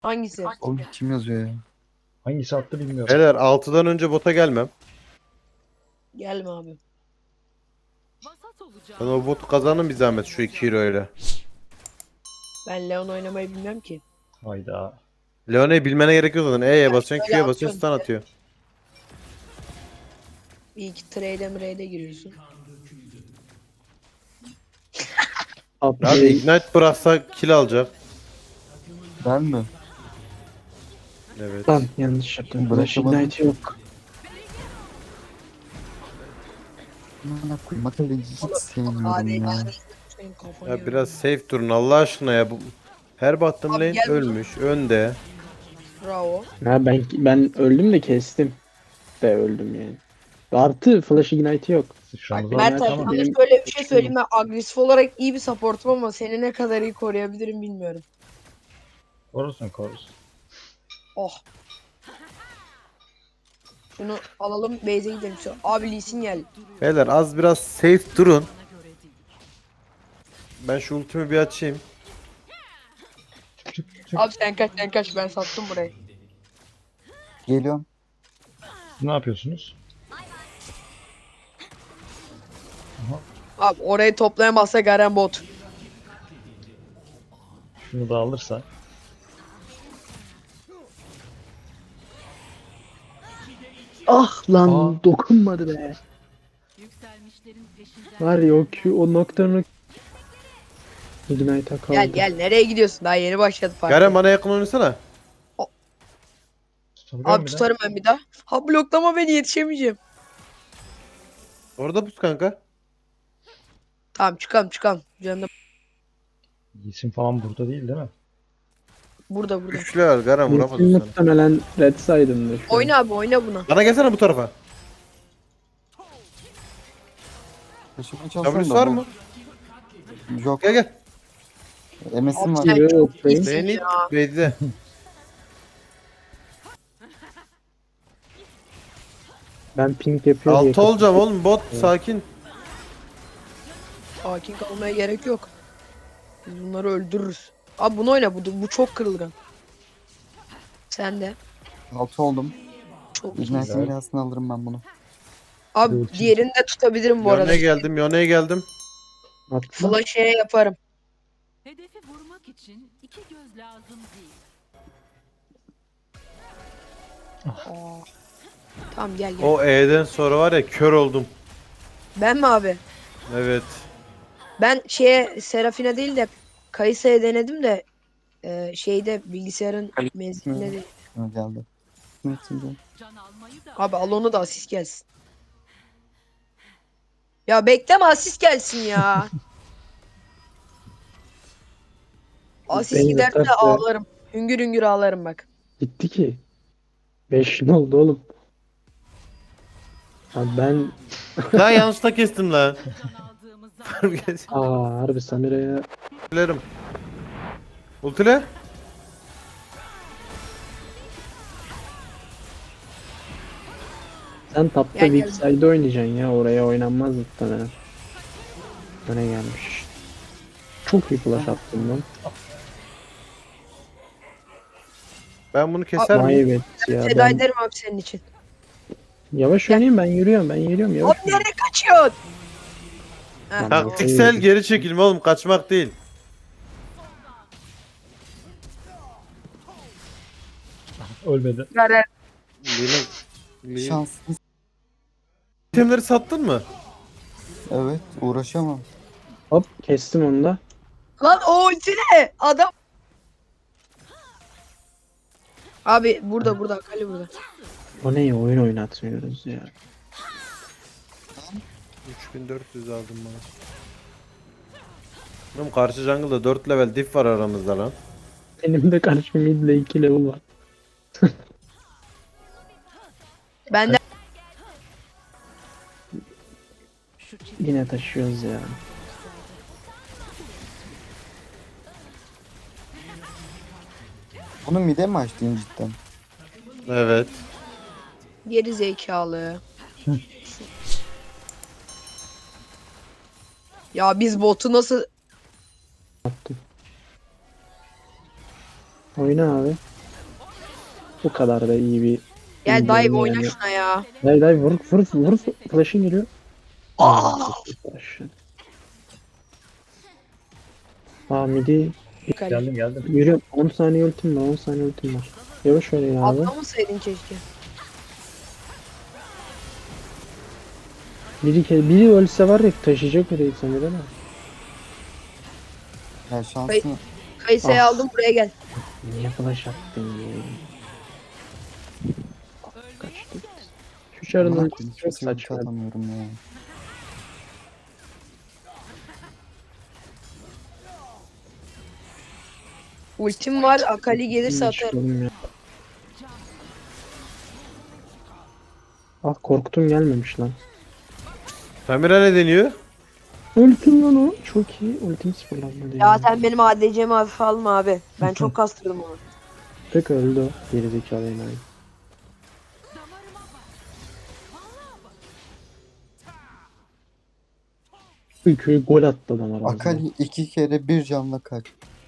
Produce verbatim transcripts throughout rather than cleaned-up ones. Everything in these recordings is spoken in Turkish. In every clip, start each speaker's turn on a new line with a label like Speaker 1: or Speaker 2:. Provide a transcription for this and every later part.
Speaker 1: Hangisi?
Speaker 2: Oğlum kim yazıyor ya?
Speaker 3: Hangisi attı bilmiyorum.
Speaker 4: Beyler altıdan önce bota gelmem.
Speaker 1: Gelme abi.
Speaker 4: Ben o botu kazanın bir zahmet şu iki euro ile.
Speaker 1: Ben Leon oynamayı bilmem ki.
Speaker 3: Hayda.
Speaker 4: Leone'yi bilmene gerek yok zaten. E'ye basıyorsun,
Speaker 1: şöyle
Speaker 4: Q'ye basıyorsun, stun
Speaker 1: atıyorum
Speaker 4: atıyor.
Speaker 1: Bir iki trade'e mrade'e giriyorsun.
Speaker 4: Abi
Speaker 5: Abi
Speaker 4: Ignite bıraksa kill alacak.
Speaker 2: Ben mi?
Speaker 4: Evet.
Speaker 5: lan yanlış yaptım. Flash
Speaker 2: Bırakamadım.
Speaker 5: Ignite yok.
Speaker 2: Amına koyayım. Akıllı hiç sevmiyorum
Speaker 1: Hadi
Speaker 2: ya.
Speaker 1: senin kafanı
Speaker 4: Ya
Speaker 1: yiyorum.
Speaker 4: biraz safe durun Allah aşkına ya. Bu her baktığım
Speaker 1: Abi
Speaker 4: lane
Speaker 1: gel buradan.
Speaker 4: ölmüş, önde.
Speaker 1: Bravo.
Speaker 5: Ha ben ben öldüm de kestim. De öldüm yani. Artı Flash Ignite yok.
Speaker 3: Sıçramızı
Speaker 1: Mert
Speaker 3: aldık
Speaker 1: abi
Speaker 3: ama.
Speaker 1: sana
Speaker 5: benim-
Speaker 1: şöyle bir şey söyleyeyim, ben agresif olarak iyi bir supportum ama seni ne kadar iyi koruyabilirim bilmiyorum.
Speaker 3: Korusun korusun.
Speaker 1: Oh. Şunu alalım, base'e gidelim. Şu- Abi Lee Sin gel.
Speaker 4: Beyler az biraz safe durun. Ben şu ultimi bir açayım.
Speaker 3: Çık çık.
Speaker 1: Abi sen kaç sen kaç, ben sattım burayı.
Speaker 2: Geliyorum.
Speaker 3: Ne yapıyorsunuz?
Speaker 1: Abi orayı toplayamazsa Garen bot.
Speaker 3: Şunu da alırsa.
Speaker 5: Ah lan
Speaker 3: Aa.
Speaker 5: dokunmadı be. Var ya o Q o noktanın Ignite'a kaldı.
Speaker 1: Gel gel, nereye gidiyorsun? Daha yeni başladı parti.
Speaker 4: Garen bana yakın oynasana.
Speaker 3: Tutabiliyor
Speaker 1: Abi
Speaker 3: musun bir de?
Speaker 1: tutarım ben bir daha. Ha bloklama beni, yetişemeyeceğim.
Speaker 4: Orada pus kanka.
Speaker 1: Tamam çıkalım çıkalım. Canım
Speaker 3: İsim falan burada değil değil mi?
Speaker 1: burada burada.
Speaker 4: Güçlü var Garen
Speaker 5: Mümkün
Speaker 4: vuramadı sana.
Speaker 5: muhtemelen Red Side'ındır şu an.
Speaker 1: Oyna abi, oyna buna.
Speaker 4: Bana gelsene bu tarafa.
Speaker 2: Taşımaya çalışıyorum
Speaker 4: W'su
Speaker 2: da
Speaker 4: var
Speaker 2: bu-
Speaker 4: mı?
Speaker 2: Yok.
Speaker 4: Gel gel.
Speaker 2: M S'im var.
Speaker 1: Sen
Speaker 5: Yok,
Speaker 1: çok
Speaker 5: ben-
Speaker 1: iyisin
Speaker 4: Beni
Speaker 1: ya.
Speaker 4: Beydi.
Speaker 5: Ben ping yapıyor diye.
Speaker 4: Altı olacağım oğlum bot sakin.
Speaker 1: Sakin kalmaya gerek yok. Biz bunları öldürürüz. Abi bunu oyna, bu, bu çok kırılgan. Sen de.
Speaker 2: Altı oldum.
Speaker 1: Çok iyi.
Speaker 2: Ignite'in birazını alırım ben bunu.
Speaker 1: Abi
Speaker 3: Ulti.
Speaker 1: diğerini de tutabilirim bu arada.
Speaker 4: Yone'ye geldim Yone'ye geldim.
Speaker 5: Atla.
Speaker 1: Flash'e yaparım.
Speaker 6: Hedefi vurmak için iki göz lazım değil.
Speaker 1: Aa. Tamam gel gel.
Speaker 4: O E'den sonra var ya kör oldum.
Speaker 1: Ben mi abi?
Speaker 4: Evet.
Speaker 1: Ben şeye Serafine değil de Kayısa'ya denedim de e, şeyde bilgisayarın menzilinde değil.
Speaker 2: Ha, geldi. Ne için bu?
Speaker 6: Can almayı da
Speaker 1: Abi al onu da asist gelsin. Ya bekleme, asist gelsin ya. Asist
Speaker 5: Beni
Speaker 1: giderse
Speaker 5: yeter
Speaker 1: de
Speaker 5: be.
Speaker 1: ağlarım. Hüngür hüngür ağlarım bak.
Speaker 5: Gitti ki. beş ne oldu oğlum? Abi ben
Speaker 4: Lan yanlışlıkla kestim lan.
Speaker 6: can aldığımız zaman
Speaker 5: aa harbi Samira'ya
Speaker 4: Ultilerim. Ultile.
Speaker 5: sen tapta
Speaker 1: Gel,
Speaker 5: weak
Speaker 1: gel.
Speaker 5: side oynayacaksın ya, oraya oynanmaz muhtemelen. Öne gelmiş. Çok iyi flash attım lan.
Speaker 4: Ben bunu keser miyim?
Speaker 5: Maybet ya.
Speaker 1: Feda
Speaker 5: Ben
Speaker 1: ederim abi senin için.
Speaker 5: yavaş oynayayım, ben yürüyorum ben yürüyorum yavaş.
Speaker 1: Abi nereye kaçıyorsun? Ha,
Speaker 5: Tamam.
Speaker 1: tamam.
Speaker 4: Taktiksel geri çekilme oğlum kaçmak değil.
Speaker 3: Ölmedi.
Speaker 1: Garen.
Speaker 4: Benim... Benim...
Speaker 2: Şanslı.
Speaker 4: İtemleri sattın mı?
Speaker 2: Evet. Uğraşamam.
Speaker 5: Hop kestim onu da.
Speaker 1: Lan o ulti ne? Adam. Abi burada burada Kali burada.
Speaker 5: O ne ya, oyun oynatmıyoruz ya.
Speaker 4: üç bin dört yüz aldım bana. Oğlum karşı jungle'da dört level diff var aramızda lan.
Speaker 5: Benim de karşı midle iki level var.
Speaker 1: Ben de
Speaker 5: Yine taşıyoruz ya.
Speaker 2: Bunu mide mi açtın cidden?
Speaker 4: Evet.
Speaker 1: geri zekalı. Ya biz botu nasıl
Speaker 5: Attım. Oyna abi. Bu kadar da iyi bir...
Speaker 1: Gel dive
Speaker 5: Yani-
Speaker 1: oyna şuna ya.
Speaker 5: Dayı dayı vur vur vur flash'ın geliyor.
Speaker 1: Aa!
Speaker 5: Flash. Aa midi
Speaker 3: Geldim geldim.
Speaker 5: yürü. on saniye ultim var on saniye ultim var. Yavaş oynayın abi.
Speaker 1: Atlamasaydın keşke.
Speaker 5: Biri, ke- biri ölse var ya taşıyacak mı değil sanırım değil mi?
Speaker 2: Ya şansını
Speaker 1: Kayısayı
Speaker 5: Ah.
Speaker 1: aldım buraya gel.
Speaker 5: Niye flash attın ya? Kaçtı. Şu çarın
Speaker 2: Amına
Speaker 5: ultisi
Speaker 2: koyayım,
Speaker 5: çok
Speaker 2: kimseye ulti
Speaker 5: saçma.
Speaker 2: atamıyorum ya.
Speaker 1: Ultim var. Akali gelirse
Speaker 5: Hiç
Speaker 1: atarım.
Speaker 5: oğlum ya. Ah korktum gelmemiş lan.
Speaker 4: Samira ne deniyor?
Speaker 5: Ultim lan o. Çok iyi. Ultim sıfırlanmadı
Speaker 1: Ya
Speaker 5: ya.
Speaker 1: sen benim A D C'mi hafife alma abi. Ben çok kastırdım onu.
Speaker 5: Tek öldü o. Gerizekalı enayi. Ülkeye gol attı adam aramızda.
Speaker 2: Akali iki kere bir canla kaç.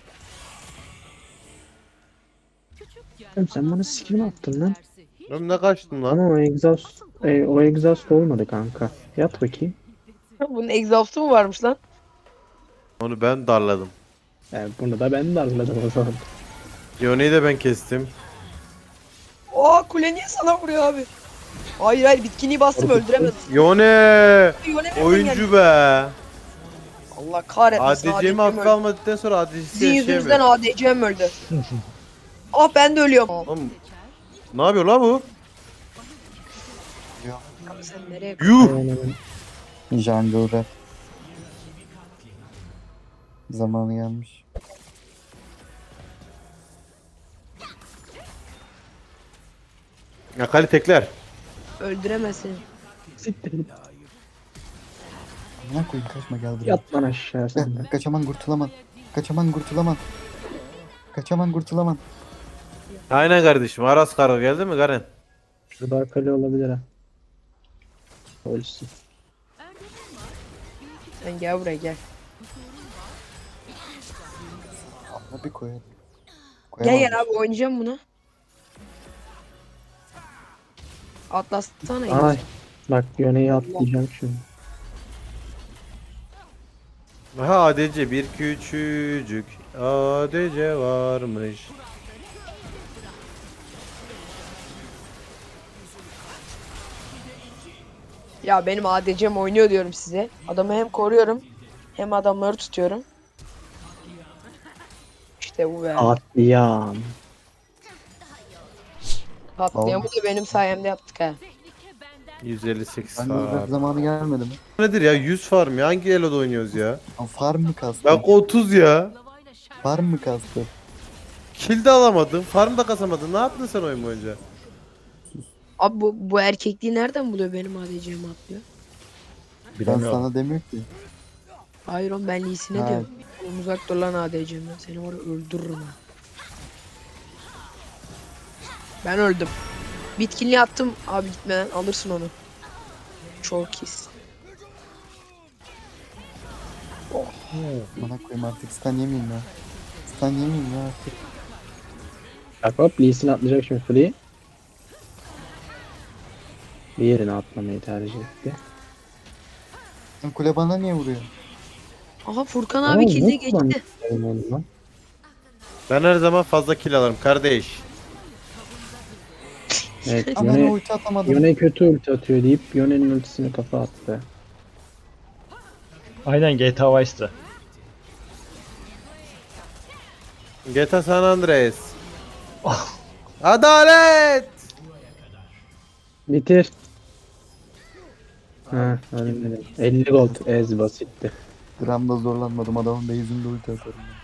Speaker 5: Oğlum sen bana skill mi attın lan?
Speaker 4: Oğlum ne kaçtın lan?
Speaker 5: Ama o exhaust, e, o exhaust olmadı kanka. Yat bakayım.
Speaker 1: Bunun exhaust'u mu varmış lan?
Speaker 4: Onu ben darladım.
Speaker 5: Yani bunu da ben darladım o zaman.
Speaker 4: Yone'yi de ben kestim.
Speaker 1: Aa kule niye sana vuruyor abi? Hayır hayır bitkiniyi bastım öldüremez.
Speaker 4: Yone!
Speaker 1: Yone nereden geldi?
Speaker 4: Oyuncu be!
Speaker 1: Allah kahretmesin.
Speaker 4: A D C'mi hafife almadıktan sonra A D C'si
Speaker 1: Sizin yüzünüzden
Speaker 4: yaşayamıyor.
Speaker 1: A D C'm öldü. Ah ben de ölüyorum.
Speaker 4: Oğlum, ne yapıyor la bu?
Speaker 1: Abi sen nereye
Speaker 4: Yuh!
Speaker 5: Aynen.
Speaker 2: Jungle rap. Zamanı gelmiş.
Speaker 4: Akali tekler.
Speaker 1: öldüremezsin.
Speaker 5: Siktir git.
Speaker 2: Amına koyayım kaçma gel buraya.
Speaker 5: Yat lan aşağı sen de.
Speaker 2: Heh, kaçaman kurtulaman. Kaçaman kurtulaman. Kaçaman kurtulaman.
Speaker 4: Aynen kardeşim. Aras Karo geldi mi Garen?
Speaker 5: Şurada akali olabilir ha. Ölsün.
Speaker 1: Sen gel buraya gel.
Speaker 2: Ama bir koyalım.
Speaker 1: Gel
Speaker 2: Koyamam.
Speaker 1: gel abi oynayacağım bunu. Atlasana.
Speaker 5: Ay. Bak yöneyi atlayacağım şimdi.
Speaker 4: Aha A D C bir küçücük A D C varmış.
Speaker 1: Ya benim A D C'm oynuyor diyorum size. Adamı hem koruyorum hem adamları tutuyorum. İşte bu be.
Speaker 5: Atlayam.
Speaker 1: Katliamı da benim sayemde yaptık ha.
Speaker 4: yüz elli sekiz
Speaker 2: Jungle rap
Speaker 4: farm.
Speaker 2: zamanı gelmedi mi?
Speaker 4: Nedir ya yüz farm ya? Hangi elo'da oynuyoruz ya?
Speaker 2: Ama farm mı kastı?
Speaker 4: Bak otuz ya.
Speaker 2: Farm mı kastı?
Speaker 4: Kill de alamadın, farm da kasamadın. Ne yaptın sen oyun boyunca?
Speaker 1: Abi bu, bu erkekliği nereden buluyor benim A D C'mi atlıyor?
Speaker 2: Ben
Speaker 3: Bilemiyorum.
Speaker 2: sana demiyor ki.
Speaker 1: Hayır oğlum ben Lee'sine
Speaker 2: Ha.
Speaker 1: diyorum. Oğlum uzak dur lan A D C'mden. Seni var ya öldürürüm ha. Ben öldüm. Bitkinliği attım. Abi gitmeden alırsın onu. Çok iyisin.
Speaker 2: Bana koyayım artık stun yemeyeyim ya. Stun yemeyeyim ya artık.
Speaker 5: Bak hop Lee'sini atlayacak şimdi free. Bir yerine atlamayı tercih etti.
Speaker 2: Lan kule bana niye vuruyor?
Speaker 1: Aha Furkan
Speaker 5: Aa,
Speaker 1: abi kilde
Speaker 5: yok lan.
Speaker 1: geçti.
Speaker 5: Benim oğlum lan.
Speaker 4: Ben her zaman fazla kill alırım kardeş.
Speaker 5: Evet
Speaker 2: Ama ben
Speaker 5: Yone,
Speaker 2: ulti atamadım.
Speaker 5: Yone kötü ulti atıyor deyip Yone'nin ultisini kafa attı.
Speaker 3: Aynen G T A Vice'tı.
Speaker 4: G T A San Andreas. Adalet!
Speaker 5: Bitir. Ha, öyle elli gold ez basitti.
Speaker 2: Gramda zorlanmadım adamın base'inde ulti atarım. ben.